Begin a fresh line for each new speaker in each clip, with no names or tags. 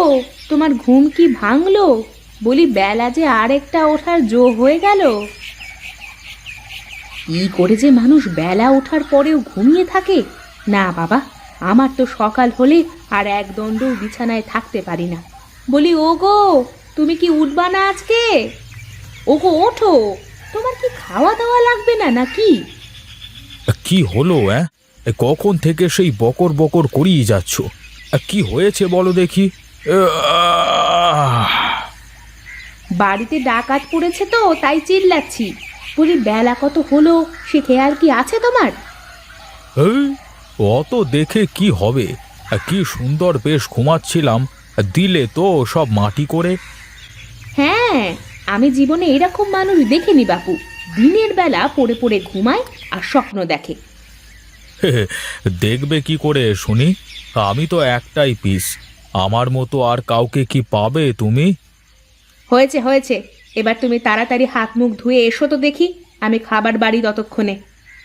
তোমার ঘুম কি ভাঙলো? বলি বেলা যে আরেকটা ওঠার জো হয়ে গেল। কি করে যে মানুষ বেলা ওঠার পরেও ঘুমিয়ে থাকে! না বাবা, আমার তো সকাল হলে আর এক দণ্ডও বিছানায় থাকতে পারি না। বলি ওগো, তুমি কি উঠবা না আজকে? ওগো ওঠো, তোমার কি খাওয়া দাওয়া লাগবে না নাকি?
কি হলো? কখন থেকে সেই বকর বকর করিয়ে যাচ্ছ? কি হয়েছে বলো দেখি।
বাড়িতে ডাকাত পড়েছে তো তাই চিল্লাচ্ছি। বলি বেলা কত হলো সে খেয়াল কি আছে তোমার?
এই, অত দেখে কি হবে? কি সুন্দর বেশ ঘুমাচ্ছিলাম, দিলে তো সব মাটি করে।
হ্যাঁ, আমি জীবনে এরকম মানুষ দেখিনি বাপু। দিনের বেলা পড়ে পড়ে ঘুমায় আর স্বপ্ন দেখে।
দেখবে কি করে শুনি? আমি তো একটাই পিস, আমার মতো আর কাউকে কি পাবে তুমি?
হয়েছে হয়েছে, এবার তুমি তাড়াতাড়ি হাত মুখ ধুয়ে এসো তো দেখি, আমি খাবার বাড়ি ততক্ষণে।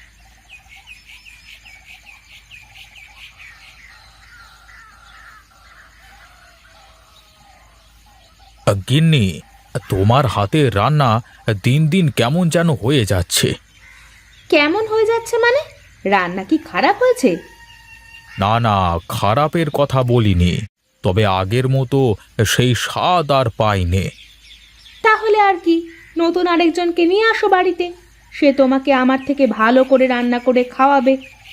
গিন্নি, তোমার হাতে রান্না দিন দিন কেমন যেন হয়ে যাচ্ছে।
কেমন হয়ে যাচ্ছে মানে? রান্না কি খারাপ হয়েছে?
না না, খারাপের কথা বলিনি, তবে আগের মতো সেই স্বাদ আর পাইনে।
তাহলে আর কি, নতুন আরেকজনকে নিয়ে আসো বাড়িতে, সে তোমাকে আমার থেকে ভালো করে রান্না করে খাওয়াবে।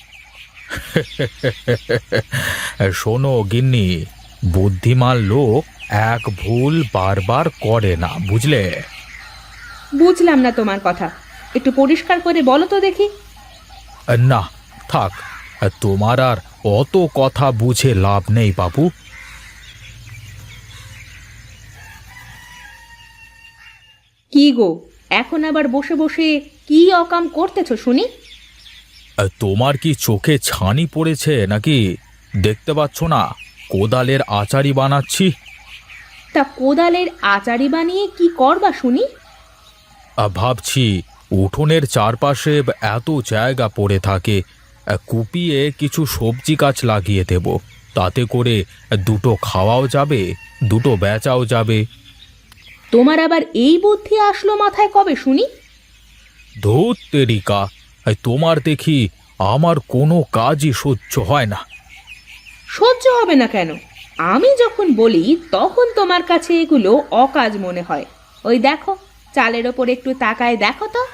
শোনো গিন্নি, বুদ্ধিমান লোক এক ভুল বারবার করে না, বুঝলে?
বুঝলাম না তোমার কথা, একটু পরিষ্কার করে বলো তো দেখি।
না, থাক, তোমার আর অত কথা বুঝে লাভ নেই বাবু।
কি গো, এখন আবার বসে বসে কি অকাম করতেছো শুনি?
তোমার কি চোখে ছানি পড়েছে নাকি? দেখতে পাচ্ছ না কোদালের আচারি বানাচ্ছি?
তা কোদালের আচারি বানিয়ে কি করবা শুনি?
ভাবছি উঠোনের চারপাশে এত জায়গা পড়ে থাকে, কুপিয়ে কিছু সবজি গাছ লাগিয়ে দেব, তাতে করে দুটো খাওয়াও যাবে, দুটো বেচাও যাবে।
তোমার আবার এই বুদ্ধি আসলো মাথায় কবে শুনি?
ধুত তেরিকা, তোমার দেখি আমার কোনো কাজই সহ্য হয় না।
সহ্য হবে না কেন? আমি যখন বলি তখন তোমার কাছে এগুলো অকাজ মনে হয়। ওই দেখো, চালের ওপর একটু তাকায় দেখো তো।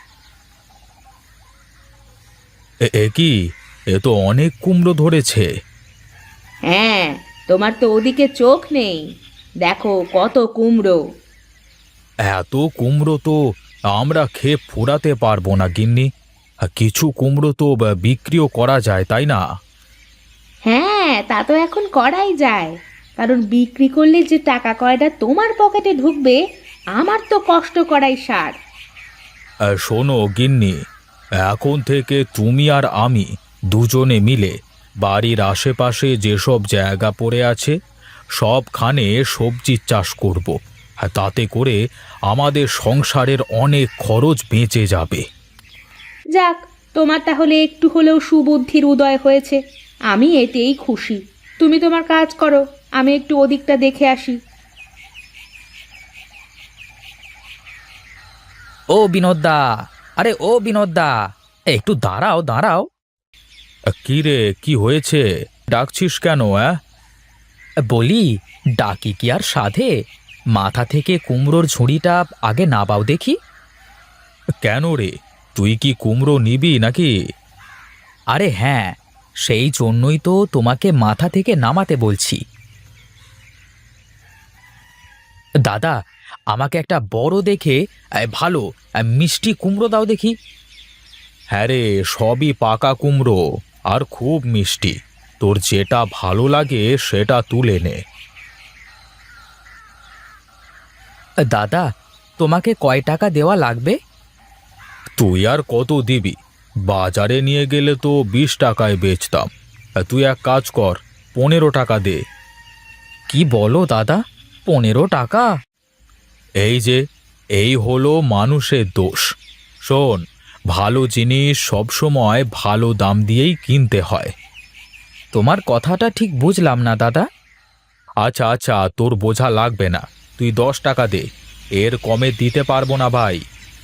এ কি, এ তো অনেক কুমড়ো ধরেছে।
হ্যাঁ, তোমার তো ওদিকে চোখ নেই, দেখো কত কুমড়ো।
এত কুমড়ো তো আমরা খেয়ে ফুরাতে পারবো না গিন্নি। কিছু কুমড়ো তো বিক্রিও করা যায়, তাই না?
হ্যাঁ, তা তো এখন করাই যায়, কারণ বিক্রি করলে যে টাকা কয়টা তোমার পকেটে ঢুকবে, আমার তো কষ্ট করাই সার।
শোনো গিন্নি, এখন থেকে তুমি আর আমি দুজনে মিলে বাড়ির আশেপাশে যেসব জায়গা পড়ে আছে সবখানে সবজির চাষ করব। তাতে করে আমাদের সংসারের অনেক খরচ বেঁচে যাবে।
যাক, তোমার তাহলে একটু হলেও সুবুদ্ধির উদয় হয়েছে, আমি এতেই খুশি। তুমি তোমার কাজ করো, আমি একটু ওদিকটা দেখে আসি।
ও বিনোদদা, আরে ও বিনোদদা, একটু দাঁড়াও দাঁড়াও।
কি রে, কি হয়েছে? ডাকছিস কেন?
বলি, ডাকি কি আর সাধে? মাথা থেকে কুমড়োর ঝুড়িটা আগে নাবাও দেখি।
কেন রে, তুই কি কুমড়ো নিবি নাকি?
আরে হ্যাঁ, সেই জন্যই তো তোমাকে মাথা থেকে নামাতে বলছি। দাদা, আমাকে একটা বড় দেখে ভালো মিষ্টি কুমড়ো দাও দেখি।
হ্যাঁ রে, সবই পাকা কুমড়ো আর খুব মিষ্টি, তোর যেটা ভালো লাগে সেটা তুলে নে।
দাদা, তোমাকে কয় টাকা দেওয়া লাগবে?
তুই আর কত দিবি? বাজারে নিয়ে গেলে তো 20 টাকায় বেচতাম, তুই এক কাজ কর, 15 টাকা দে।
কি বলো দাদা, 15 টাকা?
এই যে, এই হলো মানুষের দোষ। শোন, ভালো জিনিস সবসময় ভালো দাম দিয়েই কিনতে হয়।
তোমার কথাটা ঠিক বুঝলাম না দাদা।
আচ্ছা আচ্ছা, তোর বোঝা লাগবে না, তুই 10 টাকা দে, এর কমে দিতে পারবো না ভাই।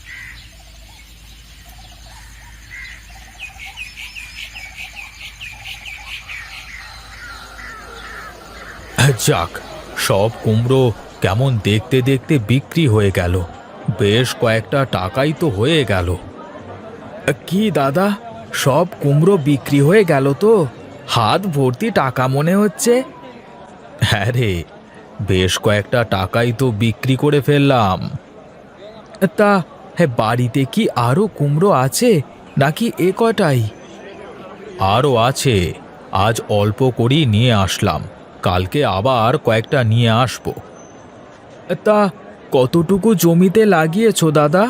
যাক, সব কুমড়ো কেমন দেখতে দেখতে বিক্রি হয়ে গেল, বেশ কয়েকটা টাকাই তো হয়ে গেল। কি দাদা, সব কুমড়ো বিক্রি হয়ে গেল তো? হাত ভর্তি টাকা মনে হচ্ছে। হ্যাঁ রে, বেশ কয়েকটা টাকাই তো বিক্রি করে ফেললাম। তা হ্যাঁ, বাড়িতে কি আরো কুমড়ো আছে নাকি এ কটাই? আরও আছে, আজ অল্প করেই নিয়ে আসলাম, কালকে আবার কয়েকটা নিয়ে আসবো। তা কতটুকু জমিতে লাগিয়েছো দাদা?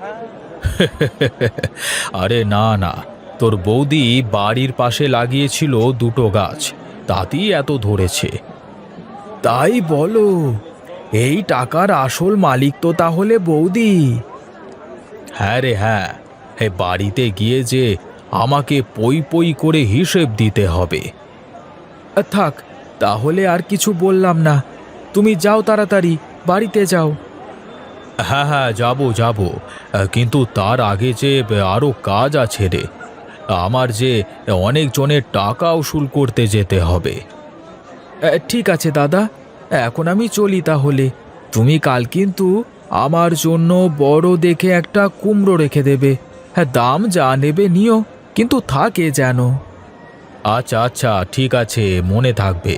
আরে না না, তোর বৌদি বাড়ির পাশে লাগিয়েছিল 2টো গাছ, তাতেই এত ধরেছে। তাই বলো? এই টাকার আসল মালিক তো তাহলে বৌদি? হ্যাঁ রে হ্যাঁ, বাড়িতে গিয়ে যে আমাকে পই পই করে হিসেব দিতে হবে। থাক, তাহলে আর কিছু বললাম না, তুমি যাও, তাড়াতাড়ি বাড়িতে যাও। হ্যাঁ হ্যাঁ, যাবো যাবো, কিন্তু তার আগে যে আরো কাজ আছে রে, আমার যে অনেকজনের টাকা উসুল করতে যেতে হবে। ঠিক আছে দাদা, এখন আমি চলি তাহলে। তুমি কাল কিন্তু আমার জন্য বড় দেখে একটা কুমড়ো রেখে দেবে। হ্যাঁ, দাম যা নেবে নিও, কিন্তু থাকে যেন। আচ্ছা আচ্ছা, ঠিক আছে, মনে থাকবে।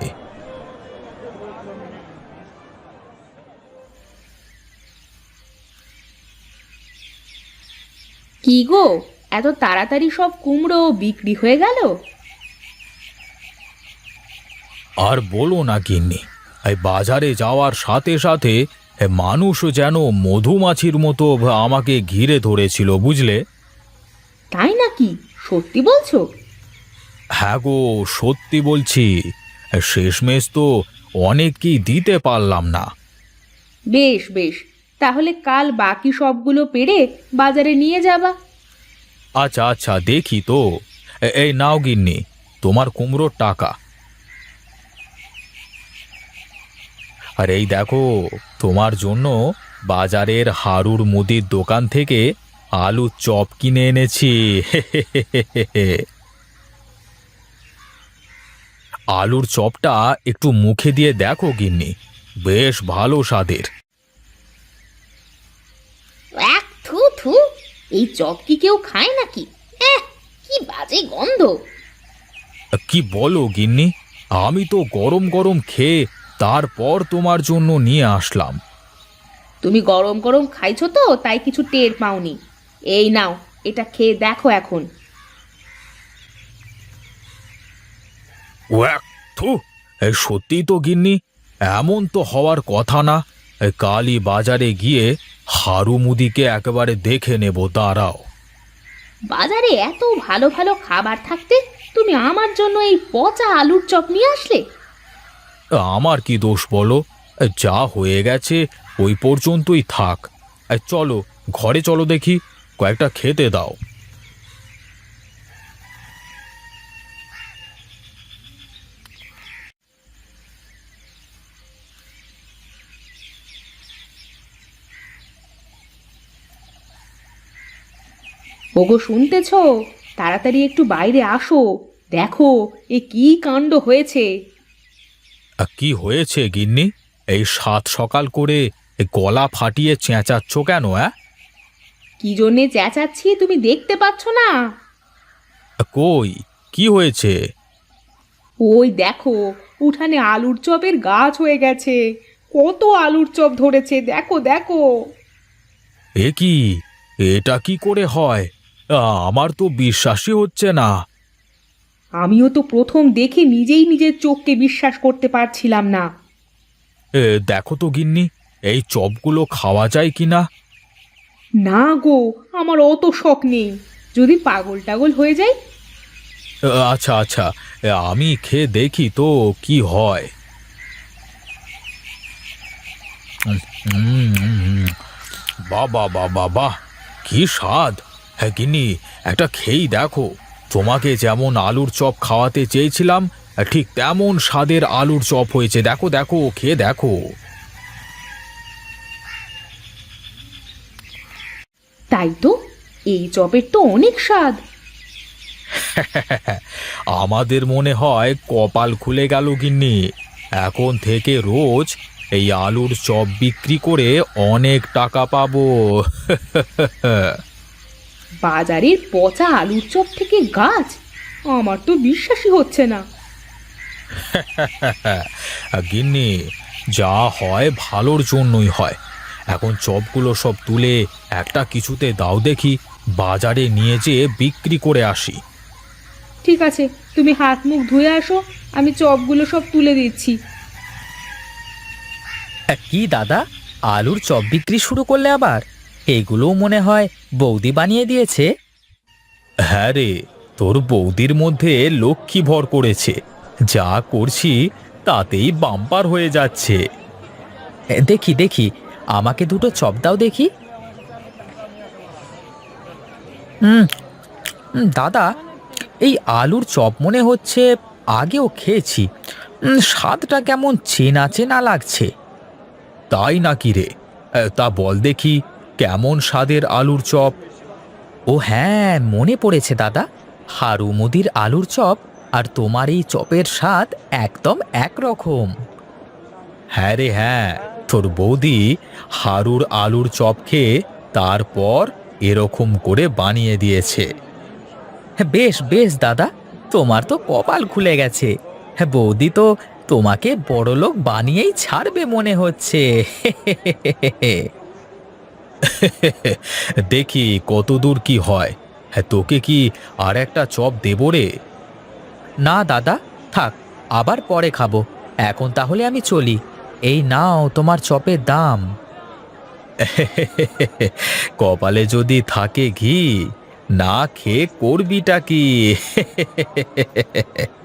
কি গো, এত তাড়াতাড়ি সব কুমড়ো বিক্রি হয়ে গেল?
আর বলো না গিন্নি, এই বাজারে যাওয়ার সাথে সাথে মানুষ যেন মধুমাছির মতো আমাকে ঘিরে ধরেছিল, বুঝলে?
তাই নাকি? সত্যি বলছো?
হ্যাঁ গো, সত্যি বলছি, শেষমেশ তো অনেককেই দিতে পারলাম না।
বেশ বেশ, তাহলে কাল বাকি সবগুলো পেড়ে বাজারে নিয়ে যাবা।
আচ্ছা আচ্ছা, দেখি তো। এই নাও গিন্নি, তোমার কুমড়োর টাকা। আর এই দেখো, তোমার জন্য বাজারের হারুর মুদির দোকান থেকে আলুর চপ কিনে এনেছি। আলুর চপটা একটু মুখে দিয়ে দেখো গিন্নি, বেশ ভালো স্বাদের।
এক থু থু, এই চপ কি কেউ খায় নাকি? কি বাজে গন্ধ!
কি বলো গিন্নি, আমি তো গরম গরম খেয়ে তারপর তোমার জন্য নিয়ে আসলাম।
তুমি গরম গরম খাইছো তো, তাই কিছু টের পাওনি। এই নাও, এটা খেয়ে দেখো এখন।
ওয়াক, থু, সত্যি তো গিন্নি, এমন তো হওয়ার কথা না। কালই বাজারে গিয়ে হারু মুদিকে একেবারে দেখে নেব, দাঁড়াও।
বাজারে এত ভালো ভালো খাবার থাকতে তুমি আমার জন্য এই পচা আলুর চপ নিয়ে আসলে?
আমার কি দোষ বলো? যা হয়ে গেছে ওই পর্যন্তই থাক। চলো ঘরে, চলো দেখি, কয়েকটা খেতে দাও।
ওগো, শুনতেছো? তাড়াতাড়ি একটু বাইরে আসো, দেখো এ কি কাণ্ড হয়েছে।
কি হয়েছে গিন্নি? এই সাত সকাল করে গলা ফাটিয়ে চেঁচাচ্ছ কেন?
কি জন্যে চেঁচাচ্ছি তুমি দেখতে পাচ্ছ না?
কই, কি হয়েছে?
ওই দেখো, উঠানে আলুর চপের গাছ হয়ে গেছে, কত আলুর চপ ধরেছে, দেখো দেখো।
এ কি, এটা কি করে হয়? আমার তো বিশ্বাসই হচ্ছে না।
আমিও তো প্রথম দেখে নিজেই নিজের চোখকে বিশ্বাস করতে পারছিলাম না।
দেখো তো গিন্নি, এই চপগুলো খাওয়া যায় কিনা।
না গো, আমার অত শখ নেই, যদি পাগল টাগল হয়ে যাই।
আচ্ছা আচ্ছা, আমি খেয়ে দেখি তো কি হয়। বাবা বাবা বাহ, কি স্বাদ! হ্যাঁ গিন্নি, একটা খেয়েই দেখো, তোমাকে যেমন আলুর চপ খাওয়াতে চেয়েছিলাম ঠিক তেমন স্বাদের আলুর চপ হয়েছে। দেখো দেখো, খেয়ে দেখো।
তাই তো, এই চপের তো অনেক স্বাদ।
আমাদের মনে হয় কপাল খুলে গেল গিন্নি। এখন থেকে রোজ এই আলুর চপ বিক্রি করে অনেক টাকা পাবো।
বাজারের পচা আলুর চপ থেকে গাছ, আমার তো বিশ্বাসই হচ্ছে না।
গিন্নি, যা হয় ভালোর জন্যই হয়। এখন চপগুলো সব তুলে একটা কিছুতে দাও দেখি, বাজারে নিয়ে যেয়ে বিক্রি করে আসি।
ঠিক আছে, তুমি হাত মুখ ধুয়ে আসো, আমি চপগুলো সব তুলে দিচ্ছি।
কি দাদা, আলুর চপ বিক্রি শুরু করলে আবার? এগুলোও মনে হয় বৌদি বানিয়ে দিয়েছে।
হ্যাঁ রে, তোর বৌদির মধ্যে লক্ষ্মী ভর করেছে। যা করছি তাতেই বাম্পার হয়ে যাচ্ছে।
দেখি দেখি, আমাকে দুটো চপ দাও দেখি। হুম, দাদা, এই আলুর চপ মনে হচ্ছে আগেও খেয়েছি। স্বাদটা কেমন চেনা চেনা লাগছে।
তাই নাকি রে? তা বল দেখি, কেমন স্বাদের আলুর চপ?
ও হ্যাঁ, মনে পড়েছে দাদা। হারু মুদির আলুর চপ আর তোমার এই চপের স্বাদ একদম একরকম।
হ্যাঁ রে হ্যাঁ, তোর বৌদি হারুর আলুর চপ খেয়ে তারপর এরকম করে বানিয়ে দিয়েছে।
হ্যাঁ, বেশ বেশ দাদা, তোমার তো কপাল খুলে গেছে। হ্যাঁ, বৌদি তো তোমাকে বড়লোক বানিয়েই ছাড়বে মনে হচ্ছে।
দেখি কত দূর কি হয়। হ্যাঁ, তোকে কি আর একটা চপ দেবো রে?
না দাদা, থাক, আবার পরে খাবো। এখন তাহলে আমি চলি। এই নাও তোমার চপের দাম।
কপালে যদি থাকে ঘি, না খেয়ে করবিটা কি?